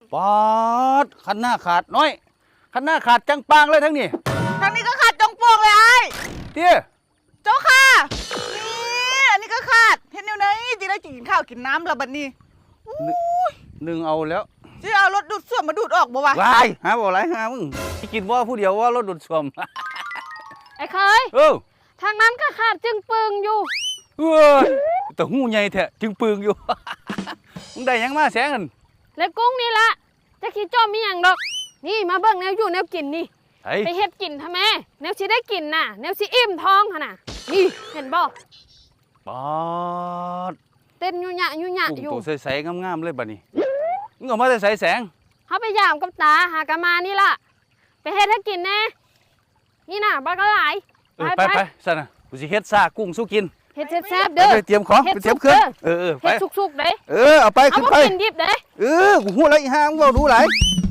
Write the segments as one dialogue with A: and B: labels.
A: ปอดคันหน้าขาดน้อยคันหน้าขาดจังปางเลยทั้งนี้
B: ทางนี้ก็ขาดจงโป่งเลยไอ้
A: เตี้ย
B: เจ้าค่ะนี่อันนี้ก็ขาดเห็นอยู่ไหนจีได้กินข้าวกินน้ำแล้วบัดนี้
A: หนึ่งเอาแล้ว
B: จะเอารถดูดซ่วมมาดูดออกบ่วะ
A: วายหาบ่ไรหามึงกินว่าผู้เดียวว่ารถดูดซ่วม
C: ไอ้เคย
A: เออ
C: ทางนั้นก็ขาดจึงปึงอยู่
A: เออแต่หูใหญ่แท้จึงปึงอยู่ มึงได้ยังมาแสงกัน
C: แล้วกุ้งนี่ละจะคิดจอมมีอย่างดอกนี่มาเบิ่งแนวอยู่แนวกินนี่ไปเฮ็ดกินทำไมแนวสิได้กินน่ะแนวสิอิ่มท้องหั่นน่ะนี่เห็นบ่
A: ปอด
C: เต้นยุ่ยะอยู่
A: ตัวใสๆงามๆเลยบัดนี้มึงออกมาใส่แสง
C: เฮาไปยามกับตาหากะมานี่ล่ะไปเฮ็ดให้กินแน่นี่น่ะบ่ก็หลาย
A: ไปซั่นน่ะกูสิเฮ็ดซากุ้งสู้กิน
C: เฮ็ดแซ่บๆเด้อ
A: ไปเตรียมของไปเตรียมเครื่องไป
C: เฮ็ดสุกๆเด้
A: เอาไปขึ้นไป
C: กินดิบเด้
A: กูฮู้แล้วอีห่ามึงเว้ารู้หลาย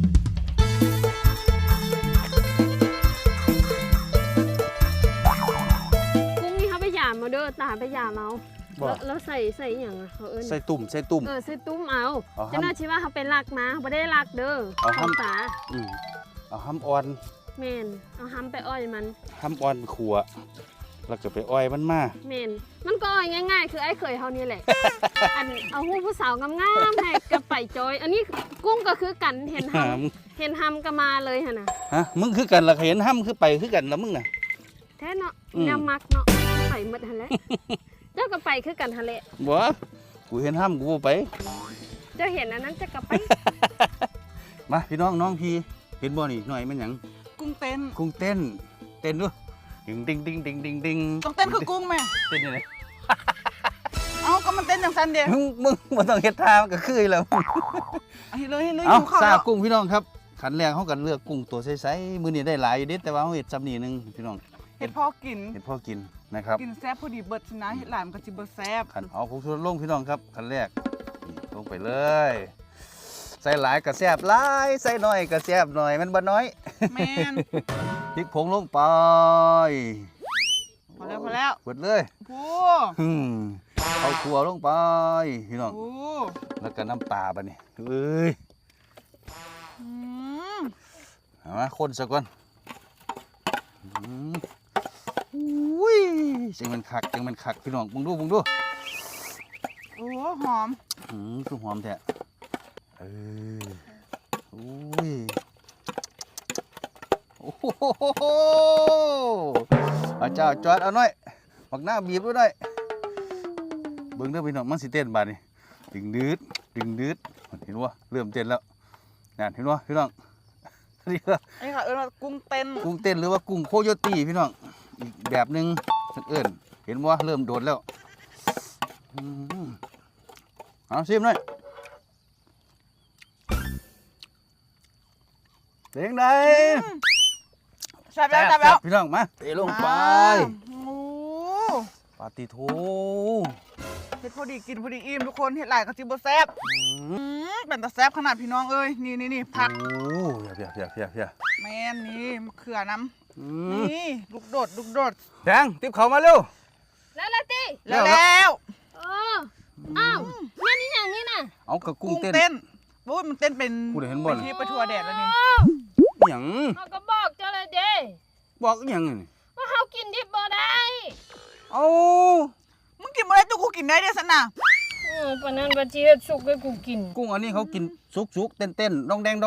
C: กุ้งนี่เฮาไปยามมาเด้อตาไปยามเอาแล้วใส่หยังอ่ะเขาเอิ้น
A: ใส่ตุ่ม
C: ใส่ตุ้มเอาจังได๋สิว่าเฮาไปลักมาบ่ได้ลักเด้อ
A: เอาห้ำ
C: ตา
A: เอาห้ำอ่อน
C: แม่นเอาห้ำไปอ้อยมัน
A: ห้ำอ่อนขัวแล้วก็ไปอ้อยมันมา
C: แม่นมันก็อ้อยง่ายๆคือไอ้เคยเฮานี่แหละอันเอาฮู้ผู้สาวงามๆให้กับไปจอยอันนี้กุ้งก็คือกันเห็นห้ำก็มาเลยหั่นน่ะ
A: ฮะมึงคือกันล่ะเห็นห้ำคือไปคือกันแล้วมึงน่ะ
C: แท้เนาะแนวมักเนาะไปหมดหั่นแหละเจ้าก็ไปคือกันหั่นแหละ
A: บ่กูเห็นห้ำกูไป
C: เจ้าเห็นอันนั้นจะก็ไป
A: มาพี่น้องพี่เห็นบ่นี่หน่อยมันหยัง
B: กุ้งเต้น
A: ด้วยดิง
B: ต้องเต้นคือกุ้งแม่
A: เต้นยังไง
B: เอาก็มันเต้นอย่างซันเดียว
A: มึงมันต้องเฮ็ดท่ามันก็คือแล้ว
B: ให้เลย
A: เอาซากุ้งพี่น้องครับขันแรกเขากันเลือกกุ้งตัวใสๆมื้อนี้ได้หลายอยู่เด็ดแต่ว่าเขาเฮ็ดซ้ำนี่นึงพี่น้อง
B: เฮ็ดพอกิน
A: นะครับ
B: กินแซ่บพอดีเบิดนะเฮ็ดหลายมันก็สิบ่แซ่บ
A: ขันเอาผงชูรสลงพี่น้องครับขันแรกลงไปเลยใส่หลายก็แซ่บหลายใส่น้อยก็แซ่บหน่อยมันบ่น้อย
B: แม่น
A: พริกผงลงไป
B: พอแล้ว
A: กดเลย
B: โอ้
A: เอาขัวลงไปพี่น้องแล้วก็น้ำปลาบัดนี้เอ้ยเอามาคนซะก่อนอุ้ยจังมันคักพี่น้องมึงดู
B: โอ้หอม
A: คือหอมแท้อุ้ยโอ้โหเจ้าจอดเอาหน่อยบักหน้าบีบด้วยหน่อยเบิ่งเด้อพี่น้องมันสิเต้นบาดนี่ดึงดืดเห็นว่าเริ่มเต้นแล้วนั่นเห็นว่าพี่น้องนี่ค่ะ
B: กุ้งเต้
A: นหรือว่ากุ้งโคโยตี้พี่น้องอีกแบบนึงเอิ้นเห็นว่าเริ่มโดดแล้วเอาชิมหน่อยเสียงใด
B: แซ่บแล้ว
A: พี่น้องมาเตะลงไปปาติโถ
B: เฮ็ดพอดีกินพอดีอิ่มทุกคนเฮ็ดหลายก็สิบ่แซ่บเป็นตาแซ่บขนาดพี่น้องเอ้ยนี่ผัก
A: เพีย
B: แม่นนี่มะเขือน้ำนี่ลูกโดด
A: แดงติ๊บเขามาเร็ว
C: แล้วติ
B: แล้ว
C: อ้าวแม่นี่อย่างนี้น่ะ
A: เอากระกุ้งเต้น
B: โอ้ยมันเต้นเป็นที่ประทัวแดดแล้วนี่
A: หยัง
C: เขาก็บอกเจ้าเลยเด้
A: บอกหยัง
C: ว่าเขากินดิบบ่ได้
A: เอา
B: มึงกินบ่ได้ตัวกูกินได้เด้อสันน่ะ
C: ปานนั้นว่าสิเฮ็ดสุกให้กูกิน
A: กุ้งอันนี้เขากินสุกเต้นดองแดง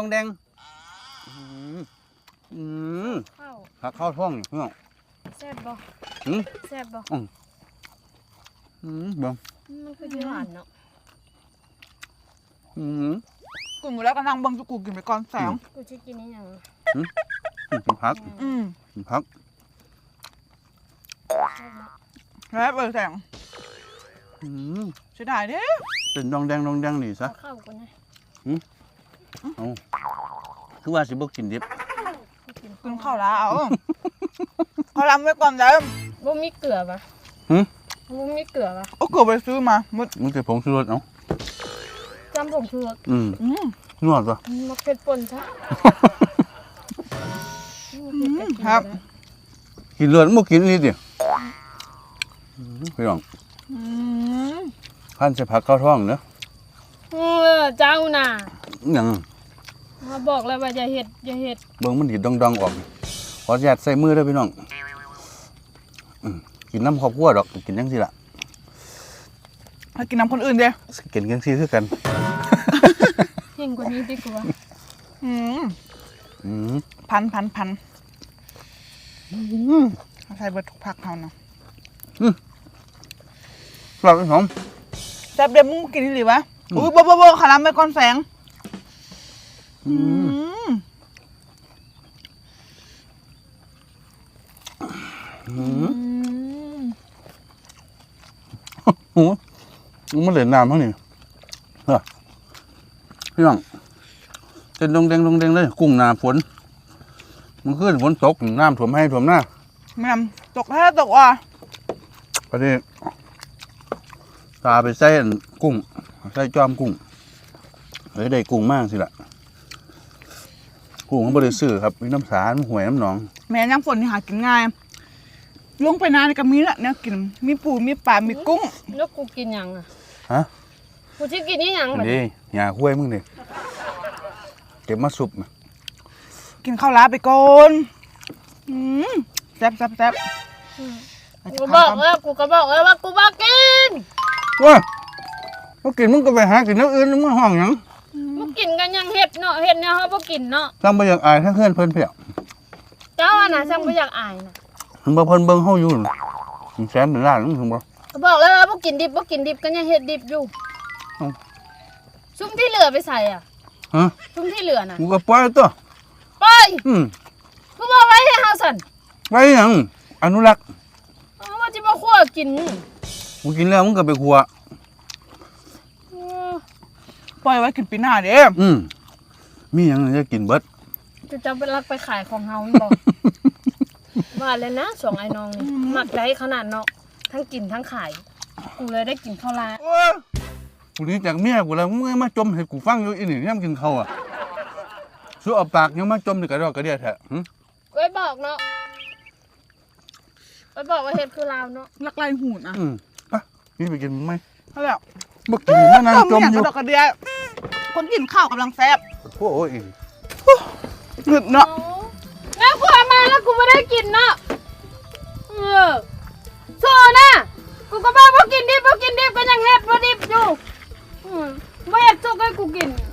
A: ข้าวท้องเนาะ
C: แซ่บบ่แซ่บบ่
A: บ่
C: มันคือหวานเนาะ
B: กูหมดแล้วก็นั่งเบิ่งกูกินไปก่อนแสง
C: กูสิกินอีหยัง
A: พัก
B: แล้วแสงเสียดายเด้
A: เป็นดองแดงนี่ซะ
C: เข้ากันนะ
A: เอาคือว่าสิบ่กินดิบ
B: กินข้าวแล้วเขาล้ำไว้ก่อนเด้อ
C: บ่มีเกลือป่ะบ่มีเกลือป่ะ
B: เอาเกลือไปซื้อมา
A: มึงจะผงชูรสเอา
C: จำผงชูรส
A: นวดป่ะ
C: มักเผ็ดป่นซะ
B: ครับ
A: กินเลือดบ่กินนิดเดียวพี่น้องพันใส่ผักเข้าท้องเนอะ
C: เจ้าน่ะ
A: ยัง
C: มาบอกแล้วว่าอย่าเฮ็ด
A: เบิ่งมันดิดดองๆออกขออนุญาตใส่มือเด้อพี่น้องกินน้ำครอบครัวดอกกินจังซี่ล่ะ
B: ให้กินน้ำคนอื่นเด้
A: กินจังซี่คือกัน
C: เก่งกว่านี้ดีกว่า
B: อืม
A: อืม
B: พันเอาใส่เบิดทุกผักเฮานะ
A: กรอบหอม
B: แซ่บเดี๋ยวมึงกินที่หรือวะอุ้ยบ่ขารามไปก่อนแสงอืม
A: โอ้มันเหลือน้ำเท่านี้พี่น้องเต้นลงแดงเลยกุ้งหนาฝนมันขึ้นฝนตกน้ำท่วมให้ท่วมหน้า
B: แม่นตกแท้ตกว่ะ
A: ประเดี๋ยวตาไปใส่อันกุ้งใส่จอมกุ้งเฮ้ยได้กุ้งมากสิล่ะกุ้งเขาบริสุทธิ์ครับมีน้ำสารห่วยน้ำหนอง
B: แม่ย่ำฝนนี่หากินง่ายลงไปนานก็มีละเนี่ยกินมีปูมีปลามีกุ้ง
C: แล้วกูกินหยังอ่ะ
A: ฮะ
C: กูสิกินนี่หยังบัด
A: นี่หยาคุ้ยมึงนี่เก็บมาสุบนะ
B: กินข้าวลาไปก่อนแซ่บ
C: กูก็บอกแล้วว่ากูบ่กิน
A: ว้าก็กินมึงก็ไปหากินน้ำอื่นมึงห้องหยัง
C: บ่กินกันยังเฮ็ดเนาะเฮ็ดเนี่ยเฮาบ่กินเนาะ
A: ทำไปอย่างอายถ้าเพื่อนเพิ่นเพียง
C: เจ้าอ่ะน่ะซังบ่อยากอายน่ะ
A: มันบ่เพิ่นเบิ่งเฮาอยู่น่ะมันแสนเป็นล้านนึงถึงบ่
C: ก็บอกแล้วว่าบ่กินดิบกันยังเฮ็ดดิบอยู่
A: เอ้า
C: ซุ่มที่เหลือไปใส่อ่ะ
A: ฮะ
C: ซุ่มที่เหลือน่ะ
A: กูก็ปล่อยตัว
C: ไป
A: อืม
C: กูบอกไว้ให้เฮาสั่น
A: ไว้หยังอนุรักษ์
C: เอาว่าจะมาคั่วกิน
A: กูกินแล้วมึงก็ไปครัว
C: เออ
B: ปล่อยไว้กินปีหน้าเด้
A: มีหยังจะกินเบิด
C: จะจำเป็นรักไปขายของเฮามันบอก ว่าแล้วนะสองไอ้น้องนี่มักได้ขนาดเนาะทั้งกินทั้งขาย กูเลยได้กินข้าวลา
A: กูนี่จากเมียกูแล้วมึงมาจมให้กูฟังอยู่อีนี่ยามกินข้าวอ่ะสู้เอาปากยังมาจมนี่กระดอกกระเดียแท้หึ
C: ไว้บอกเนาะไว้บอกว่าเฮ็ดคือลาวเนาะ
B: ลักไล่หูนะ
A: ไปนี่ไปกินมั้ย
B: เท่าแล้ว
A: บ่กินมานานจ
B: ต้
A: ม
B: อย่าง
A: อก ยู่
B: ระดอกกระเดียคนกินข้าวกำลังแซ่บ
A: โอ้ย
B: หนึดเนาะ
C: แล้วกูเอามาแล้วกูไม่ได้กินเนาะโซน่ะกูก็บอกว่ากินดิบก็ยังเฮ็ดบ่ดิบอยู่บ่อยากสุกให้กูกิน